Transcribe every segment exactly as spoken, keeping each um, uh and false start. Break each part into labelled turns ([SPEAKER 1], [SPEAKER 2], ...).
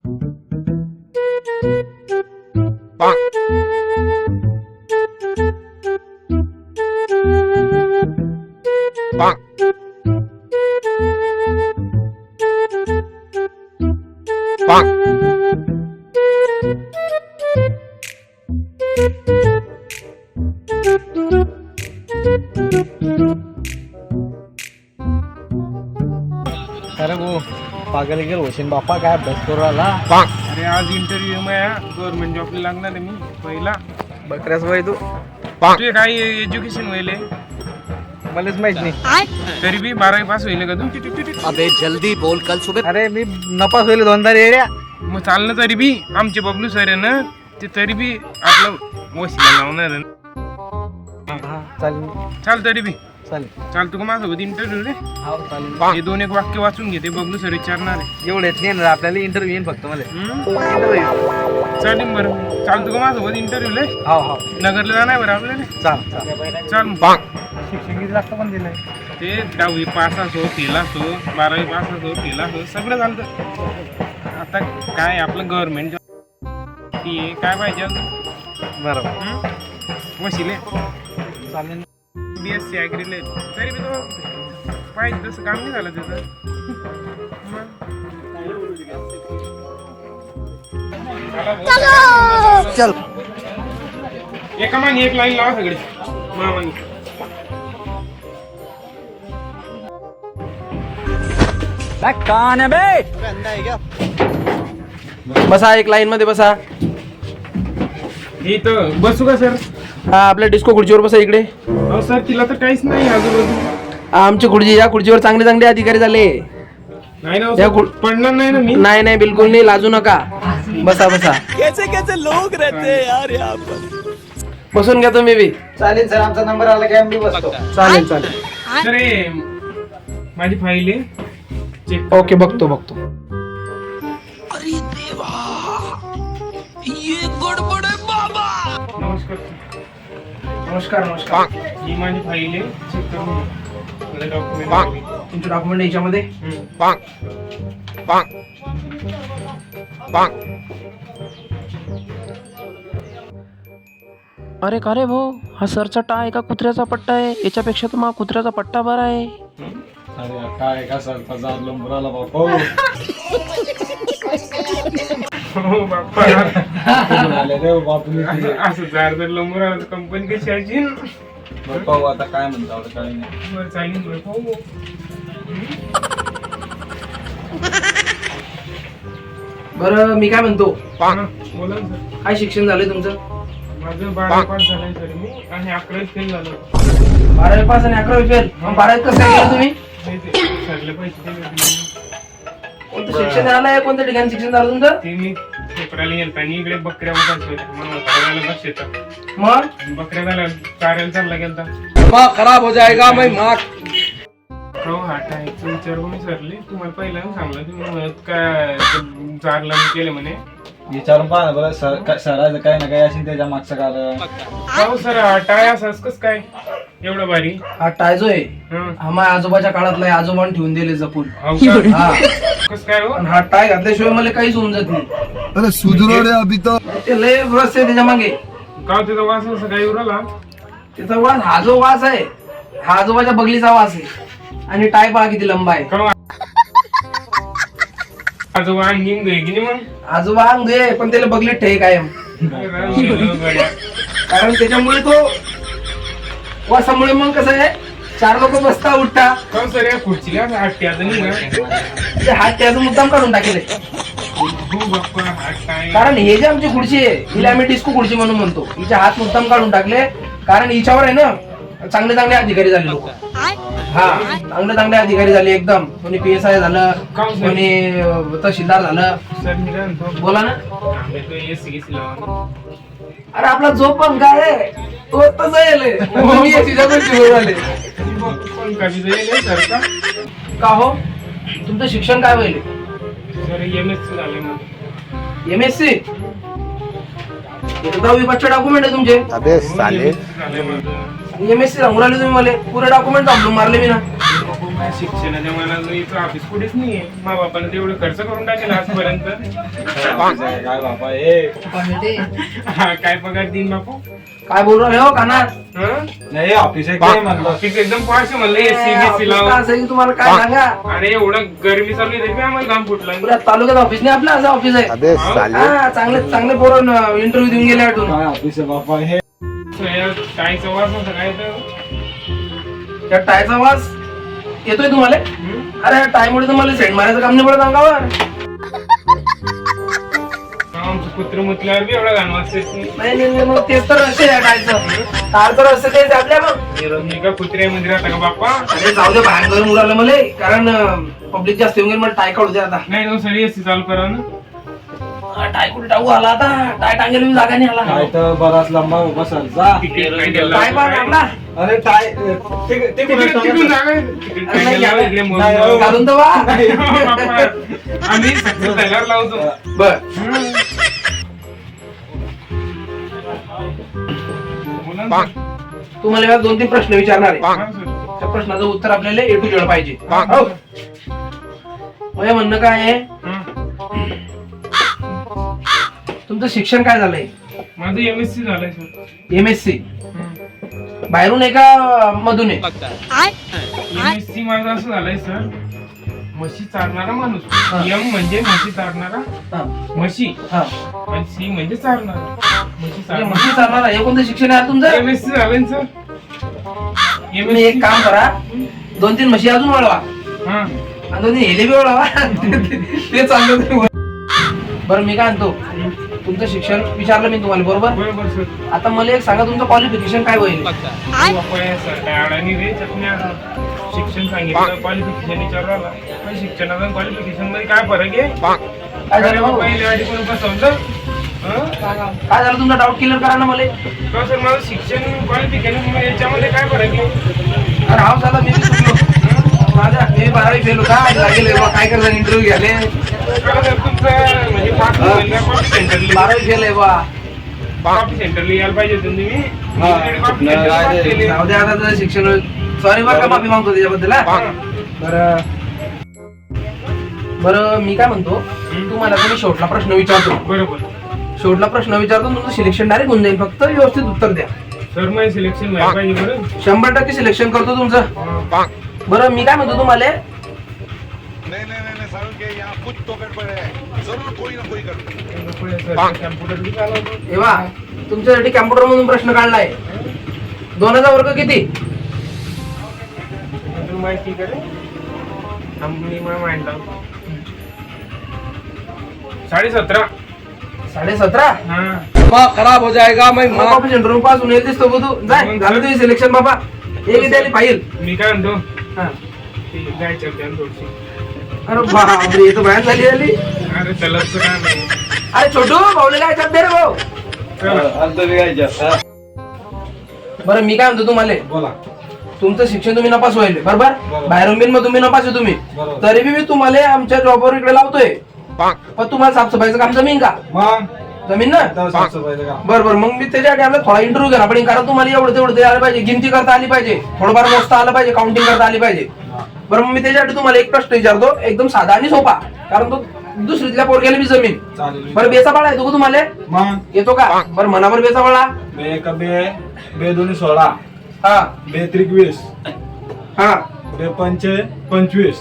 [SPEAKER 1] अरे वो पागल गेल होशील बाप्पा, काय अभ्यास करू राहिला?
[SPEAKER 2] अरे आज इंटरव्ह्यू में गव्हर्नमेंट जॉबला लागणार आहे मी पहिला.
[SPEAKER 1] बकऱ्याच वय तू
[SPEAKER 2] तुझे काय एज्युकेशन व्हायले?
[SPEAKER 1] मलाच माहित नाही.
[SPEAKER 2] तरी बी बारावी पास होईल का तू?
[SPEAKER 3] अबे जल्दी बोल, कल सुबह.
[SPEAKER 1] अरे मी नपास होईल दोनदा रेड्या.
[SPEAKER 2] मग चाललं तरी बी आमचे बबलू सर आहे ना, ते तरी बी आपलं वशिला लावणार आहे ना.
[SPEAKER 1] हा चालेल
[SPEAKER 2] चाल तरी बी
[SPEAKER 1] चालेल
[SPEAKER 2] चाल तू का माझ्यासोबत इंटरव्ह्यू रे.
[SPEAKER 1] हो चालेल.
[SPEAKER 2] हे दोन एक वाक्य वाचून घेते, बबलू सर विचारणार आहे.
[SPEAKER 1] एवढे येत नाही आपल्याला इंटरव्ह्यू येईन फक्त मला.
[SPEAKER 2] हम्म? चालेल बरं, चाल तू का माझ्यासोबत इंटरव्ह्यू ले.
[SPEAKER 1] हो हो
[SPEAKER 2] नगरला जाणार बरं आपल्याला.
[SPEAKER 1] चाल चाल.
[SPEAKER 2] चाल मग.
[SPEAKER 1] शिक्षण किती लागतं पण दिलंय?
[SPEAKER 2] ते दहावी पास असो, फेल असो, बारावी पास असो, फेल असो, सगळं चालतं. आता काय आपलं गव्हर्नमेंट ती काय पाहिजे अजून?
[SPEAKER 1] बरोबर
[SPEAKER 2] वशिले
[SPEAKER 1] चालेल.
[SPEAKER 2] बी एस सी ॲग्रीले तरी बी तो पाहिजे तसं काम नाही झालं त्याचं. मग
[SPEAKER 3] चल.
[SPEAKER 2] एका मागे एक लाईन लावा सगळे मामानी.
[SPEAKER 3] कौन है बे?
[SPEAKER 4] बसा, एक लाईन मध्ये बसा.
[SPEAKER 2] हे तर बसू का सर?
[SPEAKER 4] हा, आपल्या डिस्को खुर्चीवर बसा इकडे.
[SPEAKER 2] हो सर, तिला तर काहीच नाही आजूबाजू.
[SPEAKER 4] आमची खुर्ची, या खुर्चीवर चांगले चांगले अधिकारी झाले.
[SPEAKER 2] नाही ना
[SPEAKER 4] या
[SPEAKER 2] सर,
[SPEAKER 4] खुर-
[SPEAKER 2] पडणार नाही ना मी.
[SPEAKER 4] नाही नाही, बिलकुल नाही, लाजू नका. बसा बसा.
[SPEAKER 3] कैसे कैसे लोग रहते हैं यार यहाँ पर.
[SPEAKER 4] बसून घ्या तुम्ही बी.
[SPEAKER 1] चालेल सर, आमचा नंबर आला की आम्ही बसतो.
[SPEAKER 4] चालेल चालेल.
[SPEAKER 2] सर हे माझी फाईल आहे, चेक.
[SPEAKER 4] ओके, बघतो बघतो.
[SPEAKER 3] अरे देवा, ये गड़बड़ है बाबा.
[SPEAKER 2] नमस्कार.
[SPEAKER 4] नमस्कार नमस्कार.
[SPEAKER 2] ही माझी फाईल आहे, चेक करून घ्या. मला डॉक्युमेंट.
[SPEAKER 4] तुमचे डॉक्युमेंट याच्यामध्ये. अरे का रे भाऊ, हा सरचा टा आहे का कुत्र्याचा पट्टा आहे? याच्यापेक्षा तर मग कुत्र्याचा पट्टा बरा आहे.
[SPEAKER 1] अरे काय का सर हजार लंबराला बापा.
[SPEAKER 2] हो बाप्पा,
[SPEAKER 1] रे बापू.
[SPEAKER 2] असं जार जर लंबूर आलं तर कंपनी कशी असेल?
[SPEAKER 1] पाहू आता काय म्हणतो काय नाही.
[SPEAKER 2] बरं चालेल बरं, पाहू.
[SPEAKER 4] बरं, मी काय म्हणतो,
[SPEAKER 2] हा, बोला ना सर.
[SPEAKER 4] काय शिक्षण झालंय तुमचं?
[SPEAKER 2] माझं बारावी पास झालंय सर मी, आणि अकरावी फेल झालो.
[SPEAKER 4] बारावी पास आणि अकरावी फेल. मग बारावीत कसं काय केलं तुम्ही?
[SPEAKER 2] नाही ते सरले पैसे दिले होते मी.
[SPEAKER 4] कोणतं शिक्षण झालंय? कोणत्या ठिकाणी शिक्षण झालं तुमचं?
[SPEAKER 2] ते मी पेपराला गेलता आणि इकडे बकऱ्या उठायच्या होत्या. मला करायला बस येतात.
[SPEAKER 4] मग
[SPEAKER 2] बकऱ्या झाल्या, चारायला चालला गेलता.
[SPEAKER 4] दिमाग खराब हो जाएगा मैं मार.
[SPEAKER 2] हो हा टायचं विचार मी सरले तुम्हाला पहिला सांगलं, तुम्ही म्हणत काय चारला मी केलं म्हणे.
[SPEAKER 1] विचारून पहा ना बरं सर, काय- सरायचं काही ना काही असेल त्याच्या मागचं कारण.
[SPEAKER 2] हो सर, हा टाय असंच कस काय एवढं भारी?
[SPEAKER 4] हा टाय जो आहे,
[SPEAKER 2] हं.
[SPEAKER 4] हा माझ्या आजोबाच्या काळातला आहे, आजोबाने ठेवून दिले जपून.
[SPEAKER 2] हो का?
[SPEAKER 4] हा,
[SPEAKER 2] कस काय हो?
[SPEAKER 4] आणि हा टाय घातल्याशिवाय मला काहीच समजत नाही.
[SPEAKER 5] अरे सुधरो रे अभी तो.
[SPEAKER 4] ते लय रस आहे त्याच्या मागे.
[SPEAKER 2] का तिथं वास असं काही उराला?
[SPEAKER 4] त्याचा वास, हा जो वास आहे, हा आजोबाच्या बगलीचा वास आहे. आणि टाय पहा किती लंबा आहे.
[SPEAKER 2] का आजोबा अंगिंग गय की नाही मग?
[SPEAKER 4] आजोबा अंग आहे, पण त्याला बगलीत ठे कायम.
[SPEAKER 2] गड्या.
[SPEAKER 4] कारण त्याच्यामुळे तो वासामुळे मग कसं आहे, चार लोक बसता उठता,
[SPEAKER 2] का सर या खुर्चीला हात त्याचं नाही का?
[SPEAKER 4] ते हात त्याचा मुद्दाम काढून टाकेले.
[SPEAKER 2] हो बाप्पा, हात काय?
[SPEAKER 4] कारण हे जे आमची खुर्ची आहे, हिला आम्ही डिस्को खुर्ची म्हणून म्हणतो. हिचे हात मुद्दाम काढून टाकले, कारण हिच्यावर आहे ना चांगले चांगले अधिकारी झाले लोक. हा, चांगले चांगले अधिकारी झाले एकदम. कोणी पी एस आय झालं, कोणी अं, तहसीलदार झालं.
[SPEAKER 2] सर मी काय म्हणतो,
[SPEAKER 4] बोला ना.
[SPEAKER 2] आम्ही तो एसी गिसी लावा.
[SPEAKER 4] अरे आपला जो पण काय आहे तो तसं येले. मी तिच्याकडे शिकवून आले.
[SPEAKER 2] पण कधी जाईल सर का?
[SPEAKER 4] का हो, तुमचं शिक्षण काय होईल?
[SPEAKER 2] सर एम एस सी झाले मग.
[SPEAKER 4] M S C. दहावी पाचशे डॉक्युमेंट आहे तुमचे.
[SPEAKER 5] अबे साले.
[SPEAKER 2] झाले माझं.
[SPEAKER 4] एम एस सी सांगून राहिले तुम्ही मला. पुरे डॉक्युमेंट थांबून मारले मी ना.
[SPEAKER 2] माझ्या शिक्षणाच्या मनात इथं ऑफिस कुठेच नाहीये. मा बापानं तेवढं खर्च करून टाकेल आजपर्यंत.
[SPEAKER 1] काय बाबा हे
[SPEAKER 2] हा, काय पगार देईन बापू?
[SPEAKER 4] काय बोल राहिले हो काना?
[SPEAKER 2] हं?
[SPEAKER 1] नाही ऑफिस आहे काय म्हणलं
[SPEAKER 2] ऑफिस एकदम पाच म्हणलं एसी बीसी लावून.
[SPEAKER 4] असं तुम्हाला काय सांगा,
[SPEAKER 2] अरे एवढं गरमी चालू आहे तरी बी आम्हाला घाम फुटला.
[SPEAKER 4] पुऱ्या तालुक्यात ऑफिस नाही आपलं, असं ऑफिस आहे. हा, चांगले चांगले पोरं इंटरव्ह्यू देऊन गेले वाटून.
[SPEAKER 1] काय ऑफिस आहे बाबा हे
[SPEAKER 2] काय सवास होता काय तर
[SPEAKER 4] त्या टायचा वास येतोय तुम्हाला?
[SPEAKER 2] हं?
[SPEAKER 4] अरे टायमुळे तुम्हाला सेंट मारायचं काम नाही पडत अंगावर.
[SPEAKER 2] आमचं कुत्र मुतल्यावर बी एवढा घाण वाजते.
[SPEAKER 4] नाही नाही नाही, मग तेच तर रस्ते आहे टायचं. तार तर रस्ते तेच आहे आपल्या मग.
[SPEAKER 2] मी का कुत्र्या मध्ये राहता का बाप्पा?
[SPEAKER 4] अरे जाऊ दे, बाहेर करून उडालं मला, कारण पब्लिक जास्त येऊन गेली, मला टाय काढू दे आता.
[SPEAKER 2] नाही तो सरी एसी चालू करा ना.
[SPEAKER 4] हा, टाय कुठे टाकू आला आता? टाय टांगेल मी जागा नाही आला.
[SPEAKER 1] काय तर बराच लंबा उभा सर जा.
[SPEAKER 2] तिकीट नाही गेला.
[SPEAKER 4] टाय पण आपला
[SPEAKER 1] अरे टाय ते ते
[SPEAKER 2] तिकीट तिकडून जागा आहे. तिकीट नाही गेला, इकडे मोजून
[SPEAKER 1] नाही,
[SPEAKER 2] जाऊ.
[SPEAKER 4] घालून तर वा.
[SPEAKER 2] बाप्पा, आम्ही सक्सेस झाल्यावर लावतो.
[SPEAKER 4] बर,
[SPEAKER 2] बोला ना.
[SPEAKER 4] तुम्हाला मी दोन तीन प्रश्न विचारणार आहे.
[SPEAKER 2] हा, सर.
[SPEAKER 4] त्या प्रश्नाचं उत्तर आपल्याला ए टू झेड पाहिजे. हो. माझं म्हणणं काय आहे,
[SPEAKER 2] हं.
[SPEAKER 4] तुमचं शिक्षण काय झालंय?
[SPEAKER 2] माझं एमएससी झालंय सर.
[SPEAKER 4] एम एस सी
[SPEAKER 2] हं.
[SPEAKER 4] बाहेरून आहे का मधून आहे?
[SPEAKER 2] एमएससी माझं असं झालंय सर, म्हशी चारणारा माणूस. एम म्हणजे म्हशी चारणारा
[SPEAKER 4] हा,
[SPEAKER 2] म्हशी,
[SPEAKER 4] हा.
[SPEAKER 2] आणि सी म्हणजे चारणारा म्हशी
[SPEAKER 4] म्हणजे
[SPEAKER 2] चारणारा.
[SPEAKER 4] म्हशी चालणार आहे. हे कोणतं शिक्षण आहे तुमचं?
[SPEAKER 2] एमएससी झालंय सर.
[SPEAKER 4] तुम्ही एक काम करा, दोन तीन म्हशी अजून वळवा
[SPEAKER 2] हा.
[SPEAKER 4] आणि दोन तीन हेले बी वळवा. ते चाललं. बरं मी काय म्हणतो, तुमचं शिक्षण विचारलं मी तुम्हाला, बरोबर?
[SPEAKER 2] बरोबर सर.
[SPEAKER 4] आता मला एक सांगा, तुमचं क्वालिफिकेशन काय होईल?
[SPEAKER 2] बाप्पा हे सर काय अडाणी रे चटण्या. शिक्षण सांगितलं, क्वालिफिकेशन विचारलं आला. पण शिक्षणाचं क्वालिफिकेशन मध्ये काय फरक आहे?
[SPEAKER 4] काय झालं भाऊ?
[SPEAKER 2] पहिले आधी कोण फसवलं? हं?
[SPEAKER 4] काय झालं, तुमचा डाऊट क्लिअर करा ना मला.
[SPEAKER 2] का सर माझं शिक्षण क्वालिफिकेशन याच्यामध्ये काय फरक आहे?
[SPEAKER 4] अरे हा झाला, मी चुकलो. माझा मी बारावी फेल होता, लागेल काय करता इंटरव्ह्यू घ्याले.
[SPEAKER 2] का सर तुमचं म्हणजे पाच कॉपी सेंटरली
[SPEAKER 4] बारावी फेल आहे बा.
[SPEAKER 2] कॉपी सेंटरला यायला पाहिजे होतं तुम्ही.
[SPEAKER 1] हा.
[SPEAKER 2] कॉपी
[SPEAKER 1] नाही,
[SPEAKER 2] सेंटरला
[SPEAKER 1] नाही,
[SPEAKER 2] केली.
[SPEAKER 4] जाऊ दे आता, तुझं शिक्षण सॉरी बरं का, माफी मागतो त्याच्याबद्दल. हा. बरं बरं मी काय म्हणतो, तुम्हाला तुम्ही शेवटला प्रश्न विचारतो.
[SPEAKER 2] बरोबर
[SPEAKER 4] शेवटला प्रश्न विचारतो, तुमचं सिलेक्शन डायरेक्ट होऊन जाईल, फक्त व्यवस्थित उत्तर द्या.
[SPEAKER 2] सर माझं सिलेक्शन व्हायला पाहिजे बरं.
[SPEAKER 4] शंभर टक्के सिलेक्शन करतो तुमचं. बरं मी काय म्हणतो तुम्हाला,
[SPEAKER 6] नहीं नहीं नहीं नहीं सारुण के यहाँ कुछ तो गड़बड़ है, जरूर कोई ना कोई गड़बड़।
[SPEAKER 2] सर कॅम्प्युटर बी चालवतो.
[SPEAKER 4] तेव्हा तुमच्यासाठी कॅम्प्युटर मधून प्रश्न काढलाय. दोनाचा वर्ग किती?
[SPEAKER 2] तुला माहिती का रे? आम्ही मला माहित लावतो. साडे सतरा.
[SPEAKER 4] साडे सतरा.
[SPEAKER 2] हा.
[SPEAKER 4] खराब हो जाएगा. मैं ऑफिस इंटरव्यू पास होऊन येतेस तो तू जाय, झालं तुझी सिलेक्शन बाबा. एक इथे आली पाहिजे.
[SPEAKER 2] मी काय म्हणतो,
[SPEAKER 4] हा.
[SPEAKER 2] ती जायचं होतं थोडीशी.
[SPEAKER 4] अरे बापरे, हे तर बाहेर झाली झाली.
[SPEAKER 2] अरे चलतचं काय नाही.
[SPEAKER 4] अरे छोटू भाऊले काय दे रे भाऊ.
[SPEAKER 1] अर्ध बिघायच्या.
[SPEAKER 4] बरं मी काय म्हणतो तुम्हाला,
[SPEAKER 1] बोला.
[SPEAKER 4] तुमचं शिक्षण तुम्ही नपास व्हायले, बरोबर?
[SPEAKER 1] बरोबर.
[SPEAKER 4] बाहेरून बिन मग तुम्ही नपास आहे तुम्ही,
[SPEAKER 1] बरोबर.
[SPEAKER 4] तरी बी मी तुम्हाला आमच्या जॉबवर इकडे लावतोय. पण तुम्हाला साफसफाईचं काम जमीन का?
[SPEAKER 1] मग
[SPEAKER 4] जमीन ना.
[SPEAKER 1] आता साफसफाईचं काम.
[SPEAKER 4] बरं बरं, मग मी त्याच्यासाठी आपला थोडा इंटरव्ह्यू घेणार पण, कारण तुम्हाला एवढं तेवढं ते आलं पाहिजे, गिनती करता आली पाहिजे, थोडंफार मोजता आलं पाहिजे, काउंटिंग करता आली पाहिजे. बरं मग मी त्याच्यासाठी तुम्हाला एक प्रश्न विचारतो, एकदम साधा आणि सोपा, कारण तो दुसरीतल्या पोरग्याला बी जमीन.
[SPEAKER 1] चालेल.
[SPEAKER 4] बरं बेचा बाळा येतो का तुम्हाला?
[SPEAKER 1] मग
[SPEAKER 4] येतो का? बरं मनावर बेचा बाळा.
[SPEAKER 1] बे एक बे बे दोन्ही सोळा,
[SPEAKER 4] हा
[SPEAKER 1] बे त्रिक वीस,
[SPEAKER 4] हा.
[SPEAKER 1] बे पंचे पंचवीस.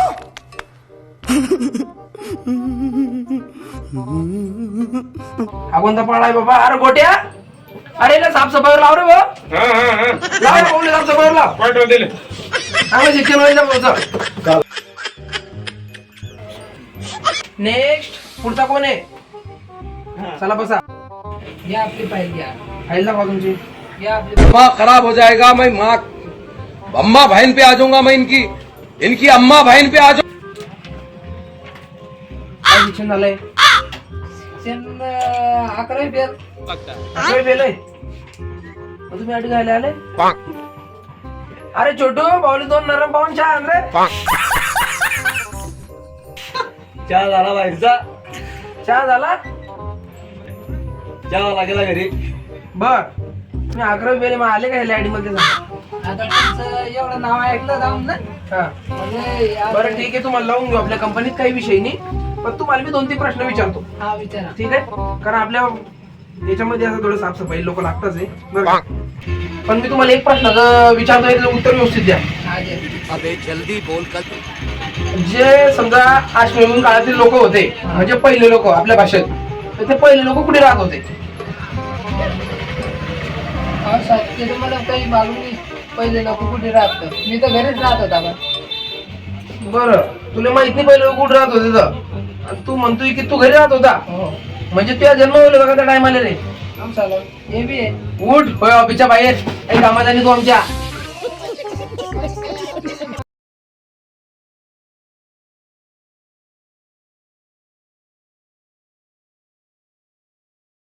[SPEAKER 4] हा कोणता पाळा आहे बाबा? अरे गोट्या, अरे ना साफसफाईवर लाव रे भाऊ.
[SPEAKER 2] हा हा हा.
[SPEAKER 4] लाव रे भाऊ, साफसफाईवर लाव.
[SPEAKER 2] पाठवा दिले.
[SPEAKER 4] चांगलं शिक्षण व्हायचं भाऊचं. नेक्स्ट पुढचा कोण आहे? चला बसा. या आपली फाईल घ्या. फाईल दाखवा तुमची. या आपली.
[SPEAKER 7] अम्मा खराब हो जाएगा, मैं माँ अम्मा बहन पे आ जाऊंगा, मैं इनकी इनकी अम्मा बहन पे आ जाऊंगा.
[SPEAKER 4] काय शिक्षण झालंय? शिक्षण अकरावी फेल. अकरावी फेल आहे. मग तुम्ही आधी घ्यायला आले? अरे छोटू भाऊली दोन नरम पाहून चहा आण रे.
[SPEAKER 1] चहा झाला बाहेरचा.
[SPEAKER 4] चहा झाला?
[SPEAKER 1] चहा लागेला घरी.
[SPEAKER 4] बर. तुम्ही अकरावी फेल मग आले का ह्या आयडी मध्ये?
[SPEAKER 8] आता तुमचं एवढं नाव ऐकलं जाऊन ना
[SPEAKER 4] हा
[SPEAKER 8] म्हणजे या-
[SPEAKER 4] बरं ठीक आहे, तुम्हाला लावून घेऊ आपल्या कंपनीत, काही विषय नाही. पण तुम्हाला मी दोन तीन प्रश्न विचारतो,
[SPEAKER 8] हा विचारा.
[SPEAKER 4] ठीक आहे? कारण आपल्या याच्यामध्ये असं थोडं साफसफाई लोक लागतच आहे बरं का? पण मी तुम्हाला एक प्रश्न विचारतो, याचं उत्तर व्यवस्थित द्या.
[SPEAKER 8] हा दे.
[SPEAKER 3] अबे जल्दी बोल कल
[SPEAKER 4] जे समजा अश्मयुगीन काळातील लोक होते, म्हणजे पहिले लोक आपल्या भाषेत, तर ते पहिले लोक कुठे राहत होते?
[SPEAKER 8] हा साहेब, ते तुम्हाला काही मालूम नाही पहिले लोक कुठे राहत. मी तर घरीच राहत होता पण.
[SPEAKER 4] बरं, तुला माहित नाही पहिले लोक कुठे राहत होते तर, आणि तू म्हणतोय की तू घरी राहत होता,
[SPEAKER 8] हो
[SPEAKER 4] म्हणजे तुझ्या जन्म होईल का त्या टायमाला रे?
[SPEAKER 8] आमचा हे बी आहे.
[SPEAKER 4] उठ, होय ऑफिसच्या बाहेर, काही कामात आणि तू आमच्या